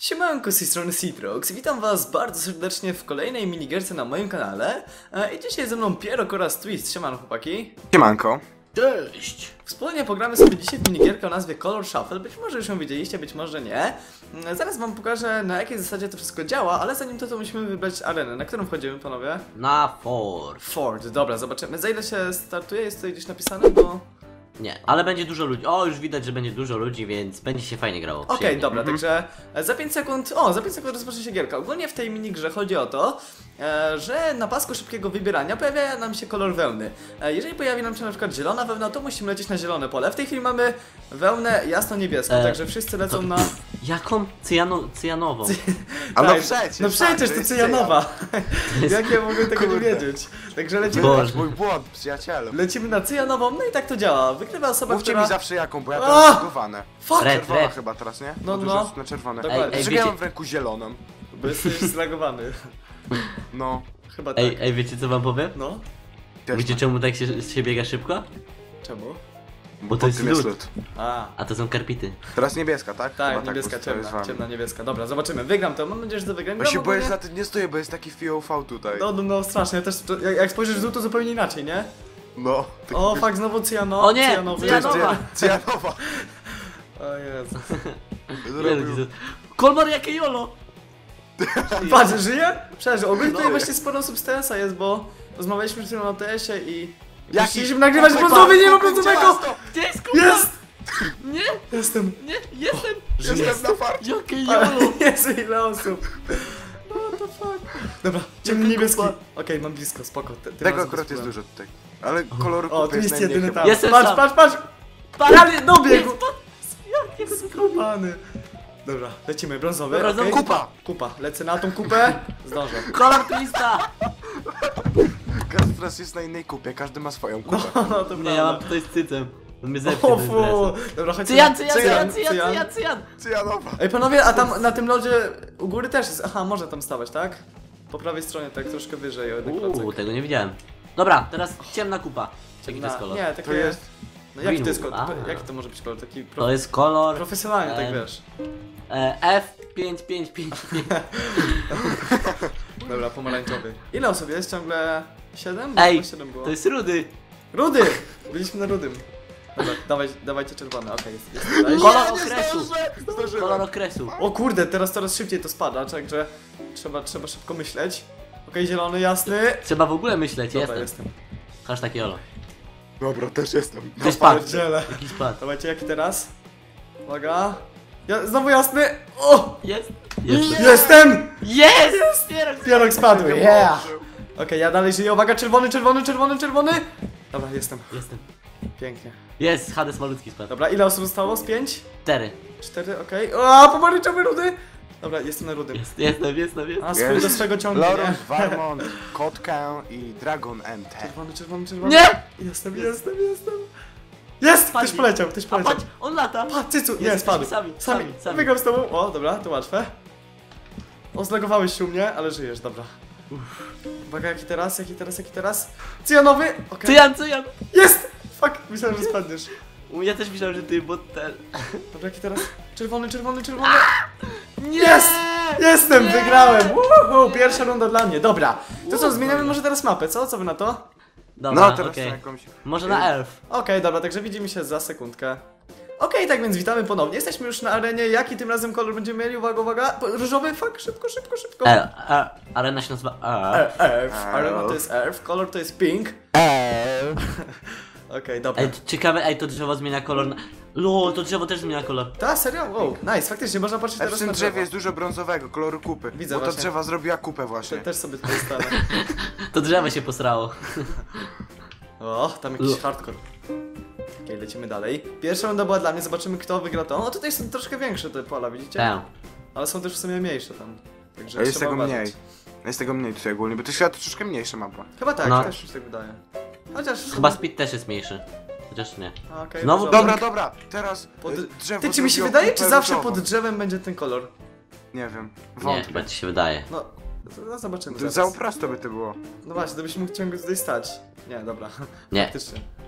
Siemanko, z tej strony Citrox. Witam was bardzo serdecznie w kolejnej minigierce na moim kanale. I dzisiaj ze mną Pierok oraz Twist. Siemano chłopaki. Siemanko. Cześć! Wspólnie pogramy sobie dzisiaj w minigierkę o nazwie Color Shuffle. Być może już ją widzieliście, być może nie. Zaraz wam pokażę, na jakiej zasadzie to wszystko działa, ale zanim to musimy wybrać arenę. Na którą wchodzimy, panowie? Na Ford. Ford, dobra, zobaczymy. Za ile się startuje? Jest tutaj gdzieś napisane, bo... Nie, ale będzie dużo ludzi. O, już widać, że będzie dużo ludzi, więc będzie się fajnie grało. Okej, dobra, także za 5 sekund, za 5 sekund rozpocznie się gierka. Ogólnie w tej minigrze chodzi o to, że na pasku szybkiego wybierania pojawia nam się kolor wełny. Jeżeli pojawi nam się na przykład zielona wełna, to musimy lecieć na zielone pole. W tej chwili mamy wełnę jasno-niebieską, także wszyscy lecą na... Jaką? Cyjanową. A no Tak, przecież, no przecież to jest cyjanowa. Jak ja mogę tego nie wiedzieć? Także lecimy, Boże. Mój błąd, przyjacielu. lecimy na cyjanową, no i tak to działa. Wygrywa osoba, Mówcie która... mi zawsze jaką, bo ja A! teraz zbugowane. Fuck! Red. Czerwona chyba teraz, nie? No, Bo no. dużo na czerwone. Dokładnie. Ej, Dlaczego ja wiecie- mam w ręku zieloną? Bo jesteś zlagowany. No. Chyba tak. Ej, wiecie co wam powiem? No? Też Wiecie tak. czemu tak się biega szybko? Czemu? Bo to jest tym jest lód. lód. A to są karpity. Teraz niebieska, tak? Tak, Chyba niebieska, bo to jest ciemna, wam. ciemna niebieska. Dobra, zobaczymy. Wygram to, mam nadzieję, że to wygram. Bo się Gram boję, ogólnie- że na tym nie stoję, bo jest taki FIOV tutaj. No, strasznie. Ja też, jak spojrzysz w dół, to zupełnie inaczej, nie? No. Tak O, fuck, znowu cyjano. O nie, cyjanowy. To jest cyjanowa. cyjanowa. O Jezu. Zrobił. Kolmar jakie jolo! Patrz, żyje? Przeżył. Ogólnie tutaj No. właśnie sporo substansa jest, bo rozmawialiśmy przed chwilą o TS-ie i... Jaki? Chcieliśmy nagrywać brązowy, nie ma brązowego! Gdzie jest kupa? Jest! Nie, Jestem. nie, jestem! Jestem na farcie. Jakie Ale jolo! Jezu, ile osób. What the fuck? Dobra, ciemny niebieski. Okej, mam blisko, spoko. Tym Tego razem akurat jest spróbuję. dużo tutaj. Ale koloru O, tu kupy jest jest najmniej jedyny chyba. tam. Jestem Patrz, sam. patrz! Ja dobiegł! Jakie Skubany. Dobra, lecimy, brązowy. Dobra, okej. kupa. Kupa, lecę na tą kupę. Zdążę. kolor twista! Każdy teraz jest na innej kupie, każdy ma swoją kupę. No to Nie, ja mam prawda. tutaj z cycem. On mnie zepnie O bez fu. dresu. Dobra, chodźcie. Cyjan! Cyjanowa. Ej panowie, a tam na tym lodzie u góry też jest. Aha, może tam stawać, tak? Po prawej stronie, tak troszkę wyżej o jeden klocek. Tego nie widziałem. Dobra, teraz ciemna kupa. Jaki to jest kolor? Nie, takie... To jest... No jaki to jest Green. kolor? A. Jaki to może być kolor? Taki To jest kolor profesjonalny, tak wiesz. F5555. Dobra, pomarańczowy. Ile osób jest? Ciągle 7? Ej, 7 było. to jest rudy. Rudy! Byliśmy na rudym. Dobra, dawajcie czerwone, okej, jest tutaj. Kolor okresu. Zdążyłem. Kolor okresu. O kurde, teraz coraz szybciej to spada, także trzeba szybko myśleć. Okej, zielony, jasny. Trzeba w ogóle myśleć, Dobra, jestem. jestem. Hashtag jolo. Dobra, też jestem. Ktoś padł. Pierdziele. Jakiś padł. Dawajcie, jaki teraz? Uwaga. Znowu jasny. O! Jest. Jestem! Jest! Pierog spadł, Nie yeah! położył. Okej, ja dalej żyję, uwaga, czerwony. Dobra, jestem. Jestem. Pięknie. Jest, Hades malutki spadł. Dobra, ile osób zostało? Z 5? 4. 4, okej. O, pomarańczowy rudy! Dobra, jestem na rudym. Jestem. A, swój do swego ciągnie, Lorus, nie? Varmont, Kotkę i Dragon MT. Czerwony. Nie! Jestem. Jest! Ktoś Spadli. poleciał. A patrz, on lata. Patrz, cycu! Nie, Jesteśmy spadł. sami. Wygram z tobą. O, dobra, to łatwe. O, zlagowałeś się u mnie, ale żyjesz, dobra. Uwaga, jaki teraz? Cyjanowy! Okej. Cyjan. Jest! Fuck, myślałem, że spadniesz. Ja też myślałem, że ty, bo ten... Dobra, jaki teraz? Czerwony. Nie! Jest! Jestem, wygrałem! Woohoo, pierwsza runda dla mnie, dobra. To co, zmieniamy może teraz mapę, co? Co wy na to? Dobra, No teraz okej. na jakąś... Może na elf. Okej, dobra, także widzimy się za sekundkę. Okej, tak więc witamy ponownie. Jesteśmy już na arenie. Jaki tym razem kolor będziemy mieli? Uwaga. Różowy, fuck, szybko. Arena się nazywa Earth. Arena to jest Earth, kolor to jest pink. Okej, dobra. Ej, ciekawe, to drzewo zmienia kolor na... to drzewo też zmienia kolor. Ta, serio? Wow, nice, faktycznie, można patrzeć A w teraz tym na drzewie drzewo. jest dużo brązowego, koloru kupy. Widzę bo ta właśnie. drzewa zrobiła kupę właśnie. Też sobie tutaj stanę. To drzewo się posrało. O, tam jakiś hardcore. Okej, lecimy dalej. Pierwsza runda była dla mnie, zobaczymy kto wygra to. O, tutaj są troszkę większe te pola, widzicie? Tak. Ale są też w sumie mniejsze tam. Także A jest trzeba tego uważać. mniej. Jest tego mniej tutaj ogólnie, bo to świat troszkę mniejsza mapa. Chyba tak, No. też mi się tak wydaje. Chociaż... Chyba speed też jest mniejszy. Chociaż nie. A, okej, Znowu dobra. Dobra, teraz drzewo Ty, czy mi się zrobiło wydaje, kupę czy zawsze różową? pod drzewem będzie ten kolor? Nie wiem, Nie, wątpię. chyba ci się wydaje. No zobaczymy Za prosto by to było. No właśnie, to byś mógł ciągle tutaj stać. Nie, dobra. Nie. Faktycznie.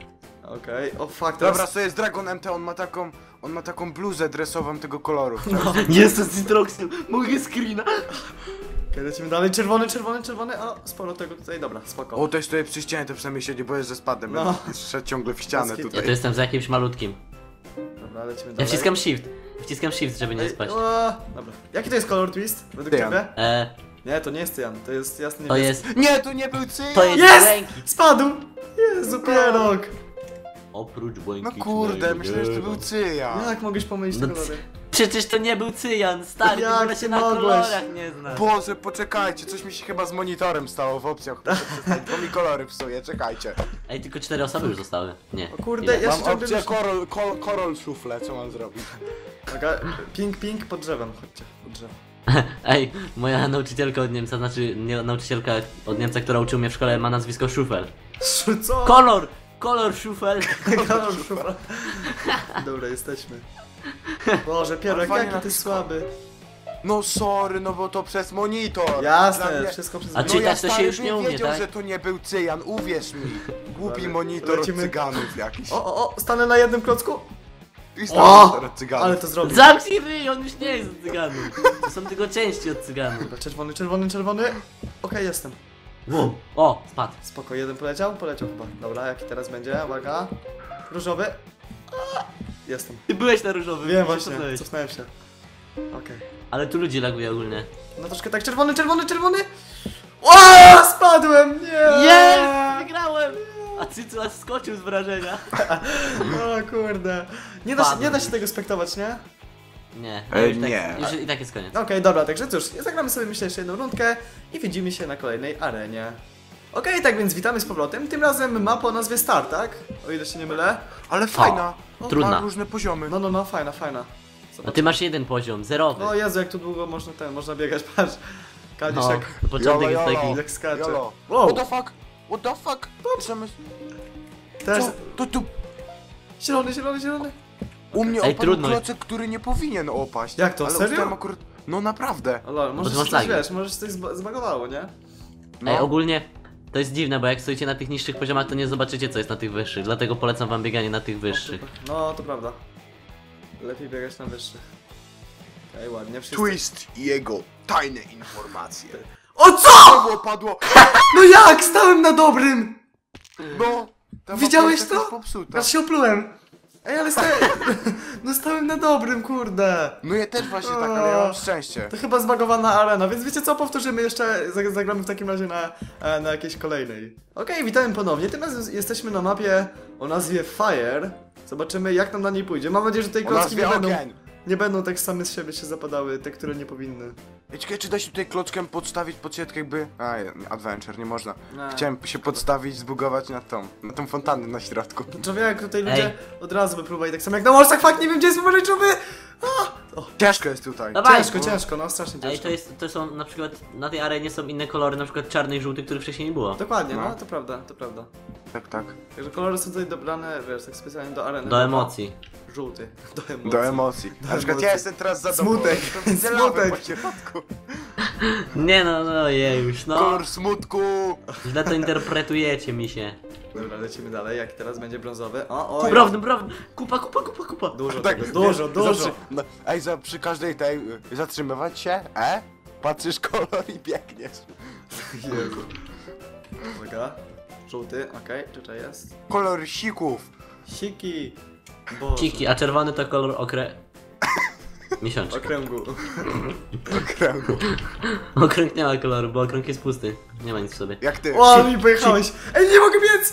Okej, o fuck, teraz... Dobra, to jest Dragon MT, on ma taką bluzę dresową tego koloru. Jest to z Citroxem, mogę screena. Okej, lecimy dalej, czerwony, o, sporo tego tutaj, dobra, spoko. O, to jest tutaj przy ścianie, to przynajmniej się nie boję, że spadłem. No. Będę szedł ciągle w ścianę Moskiet. Ja tu tutaj. jestem za jakimś malutkim. Dobra, lecimy Ja dalej. wciskam shift, żeby nie Ej, spaść. Dobra, jaki to jest kolor twist, według Cyjan. ciebie? Nie, Nie, to nie jest cyjan, to jest jasny to niebieski. jest... Nie, to nie był cyjan! To jest Jest! ręki. Spadł! Jezu, pierog! Oprócz No błękitnego kurde, myślałem, że to nieba. był cyjan. Jak mogłeś pomylić te No kolory? Przecież to nie był cyjan, stary, Jak w ogóle ty się na mogłeś? kolorach nie znasz. Boże, poczekajcie, coś mi się chyba z monitorem stało w opcjach. Muszę przestać, bo mi kolory psuje, czekajcie. Ej, tylko 4 osoby już zostały. Nie. O kurde, Ile? ja Mam się ciągle... opcję korol szufle, co mam zrobić? Dobra, pink pod drzewem, chodźcie, pod drzewo. Ej, moja nauczycielka od Niemca, znaczy nie, nauczycielka od Niemca, która uczył mnie w szkole, ma nazwisko Schufel. Co? Kolor Schufel. Kolor szufla. Dobra, jesteśmy. Boże, pierog, Ale fajnie jaki ty naciskał. słaby. No sorry, no bo to przez monitor. Dla Jasne, mnie- wszystko przez... A No czytać ja to się stary już nie bym umie, wiedział, tak? że to nie był cyjan, uwierz mi. Głupi Dobra, monitor lecimy. od cyganów jakiś. O, stanę na jednym klocku. I O! monitor od cyganów. Ale to zrobił. Zamknij ryj, on już nie jest od cyganów. To są tylko części od cyganów. Dobra, czerwony. Okej, jestem. Wow. O, spadł. Spoko, jeden poleciał chyba. Dobra, jaki teraz będzie? Uwaga. Różowy. A, jestem. Ty byłeś na różowym. Wiem się właśnie, cofnąłeś. cofnąłem się. Okej. Ale tu ludzi laguje ogólnie. No troszkę tak, czerwony. O, spadłem! Nie! Jest! Wygrałem! A Cycu aż skoczył z wrażenia. O kurde. Nie da się tego spektować, nie? Nie, Ej, już tak, nie. Już i tak jest koniec. Okej, dobra, także cóż, zagramy sobie myślę jeszcze jedną rundkę i widzimy się na kolejnej arenie. Okej, tak więc witamy z powrotem. Tym razem mapa o nazwie Star, tak? O ile się nie mylę. Ale fajna. trudna. Ma różne poziomy. No, fajna. A ty masz jeden poziom, zerowy. O Jezu, jak tu długo można biegać, patrz. Kalisz No, jak, początek jest Jolo, taki. jolo. jak skacze. Jolo. Wow, What the fuck? teraz Co? To tu zielony. u mnie Ej, opadł trudno. klocek, który nie powinien opaść. Jak to, Ale serio? ustałem akurat... No naprawdę. O lol, może ty masz coś, lagi. wiesz, może się coś zbagowało, nie? No. Ej, ogólnie to jest dziwne, bo jak stoicie na tych niższych poziomach, to nie zobaczycie co jest na tych wyższych. Dlatego polecam wam bieganie na tych wyższych. No, to prawda. Lepiej biegać na wyższych. Okej, ładnie, wszyscy. Twist i jego tajne informacje. O co?! Znowu opadło! No jak? Stałem na dobrym! No! ta Widziałeś mapa jest to? popsuta. Aż się oplułem. Ej, ale stałem... No stałem na dobrym, kurde. No ja też właśnie tak, ale ja mam szczęście. To chyba zbagowana arena, więc wiecie co, powtórzymy jeszcze, zagramy w takim razie na jakiejś kolejnej. Okej, witamy ponownie, tym razem jesteśmy na mapie o nazwie Fire. Zobaczymy jak nam na niej pójdzie. Mam nadzieję, że tej O klocki nazwie nie ogień. będą tak same z siebie się zapadały, te, które nie powinny. Ej, czekaj, czy da się tutaj klockiem podstawić pod siatkę jakby... Adventure, nie można. Nie. Chciałem się podstawić, zbugować na tą fontannę na środku. Człowiek, tutaj ludzie Ej. od razu by próbowali, tak samo jak na morsach, fakt, nie wiem gdzie jest pomarańczowy! Ciężko jest tutaj. Dawaj! Ciężko, no strasznie Ej, ciężko. to są na przykład, na tej arenie są inne kolory, na przykład czarny i żółty, których wcześniej nie było. Dokładnie, no No. to prawda. Tak, tak. Także kolory są tutaj dobrane, wiesz, tak specjalnie do areny. Do emocji. Żółty, do emocji. Do emocji. Na przykład ja jestem teraz zadowolony. Smutek. To widzę lawę Smutek. po środku. Nie no już, no. Kolor smutku. Źle to interpretujecie mi się. Dobra, lecimy dalej, jaki teraz będzie brązowy. O, Prawda. Kupa. Dużo Tak, tego, dużo. No, ej, przy każdej tej zatrzymywać się, patrzysz kolor i biegniesz. Jezu. Uwaga. Żółty, okej, tutaj jest. Kolor sików. Siki. Boże. Ciki, a czerwony to kolor miesiączka. Okręgu. Okręgu. Okrąg nie ma koloru, bo okrąg jest pusty. Nie ma nic w sobie. Jak ty. O, mi pojechałeś! Ej, nie mogę biec!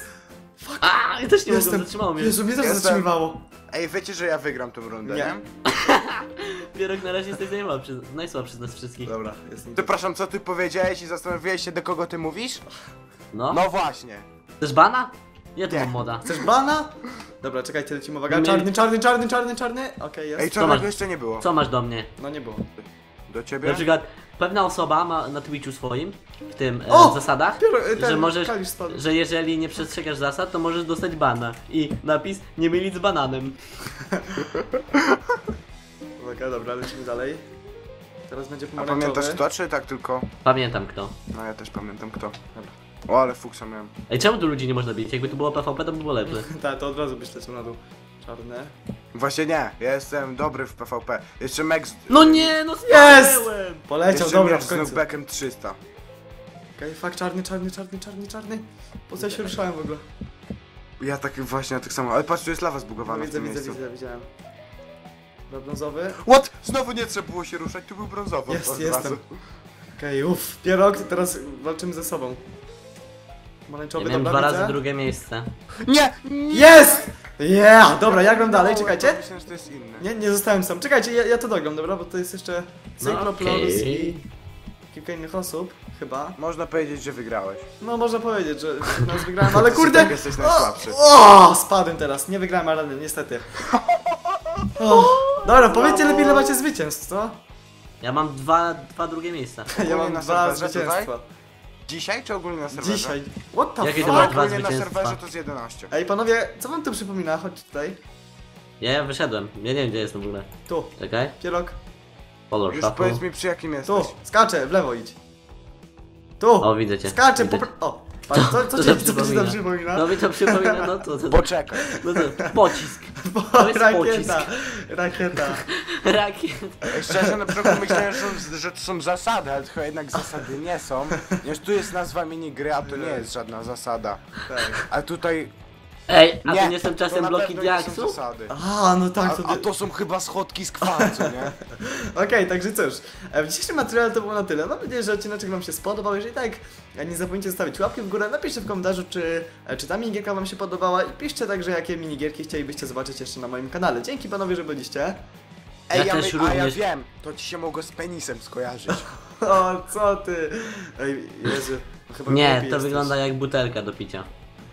A, ja też nie mogę, zatrzymało mnie. Jezu, mnie też Jestem. zatrzymywało. Ej, wiecie, że ja wygram tą rundę, Nie. nie? Pierog na razie jesteś najsłabszy z nas wszystkich. Dobra, jestem. Przepraszam, co ty powiedziałeś i zastanowiłeś się, do kogo ty mówisz? No. No właśnie. Chcesz bana? Ja tu Nie. mam moda. Chcesz bana? Dobra, czekajcie, lecimy, uwaga. Nie. Czarny. Okej, jest. Ej, masz? czarnego jeszcze nie było. Co masz do mnie? No nie było. Do ciebie? Na przykład pewna osoba ma na Twitchu swoim, w tym O! zasadach, Ten że możesz, Kalisz spadł. że jeżeli nie przestrzegasz zasad, to możesz dostać bana. I napis nie mylić z bananem. Uwaga, dobra, lecimy dalej. Teraz będzie A pomarańczowy. pamiętasz kto, czy tak tylko? Pamiętam kto. No ja też pamiętam kto. Dobra. O, ale fuksa miałem. Ej, czemu tu ludzi nie można bić? Jakby tu było PvP, to by było lepsze. Tak, to od razu byś leciał na dół. Czarne. Właśnie nie, ja jestem dobry w PvP. Jeszcze Max... No nie, no Jest! spadłem! Poleciał, Jeszcze dobra, Max w z końcu. knockbackiem 300. Okej, fakt, czarny. Po co ja się ruszałem w ogóle? Ja tak właśnie tak samo, ale patrz, tu jest lawa zbugowana No, w tym widzę, miejscu. widziałem. Dobra, brązowy. What? Znowu nie trzeba było się ruszać, tu był brązowy. Jest, od jestem. razu. Okej, uff, pierog, teraz walczymy ze sobą. Ja Pomarańczowy, miałem dobra, 2 widzę. razy drugie miejsce. Nie! Jest! Yeah! Dobra, ja gram dalej, czekajcie. Myślałem, że to jest inne. Nie zostałem sam. Czekajcie, ja to dogram, dobra, bo to jest jeszcze Cycloplorus okej. i kilka innych osób, chyba. Można powiedzieć, że wygrałeś. No, można powiedzieć, że nas wygrałem, ale kurde! Tak, jesteś najsłabszy. O, spadłem teraz, nie wygrałem areny, niestety. O, dobra, powiedzcie lepiej, ile macie zwycięstw, co? Ja mam dwa drugie miejsca. Ja Ogólnie mam na 2 serwerze zwycięstwa. Dzisiaj czy ogólnie na serwerze? Dzisiaj. What the Jakie fuck? to masz dwa Ogólnie na zwycięstwa? serwerze to z 11. Ej, panowie, co wam tu przypomina? Chodź tutaj. Ja wyszedłem. Ja nie wiem, gdzie jestem w ogóle. Tu, Czekaj. pierog. Już Color shuffle. powiedz mi, przy jakim Tu, jesteś. skaczę, w lewo idź. Tu, O, widzę cię. skaczę, Widzę po... cię. O, patrz, co to ci przypomina? tam przypomina? No mi to przypomina, no to Poczekaj. no to pocisk. To jest Rakieta, pocisk. rakieta. Rakiet. Ej, szczerze, na początku myślałem, że to są zasady, ale to jednak zasady nie są. Już tu jest nazwa minigry, a to nie jest żadna zasada. Tak. A tutaj... Ej, a Nie, to nie są czasem na bloki pewno nie są diaksów? zasady. A, no tak, A to są chyba schodki z kwarcu, nie? Okej, także cóż, w dzisiejszym materiale to było na tyle. Mam nadzieję, że odcinek wam się spodobał. Jeżeli tak, nie zapomnijcie zostawić łapki w górę, napiszcie w komentarzu, czy ta minigierka wam się podobała i piszcie także, jakie minigierki chcielibyście zobaczyć jeszcze na moim kanale. Dzięki panowie, że byliście. Ej, Ja też a ja również. wiem, to ci się mogło z penisem skojarzyć. O, co ty? Ej, Jezu, chyba Nie, głupi to jesteś. wygląda jak butelka do picia.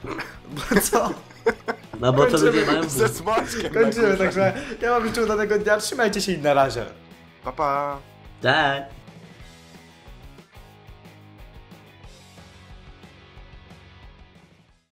Co? No bo to Kończymy. ludzie mają Ze but. smoczkiem. Kończymy, na górze. także ja wam życzę udanego dnia, trzymajcie się i na razie. Pa, pa. Tak.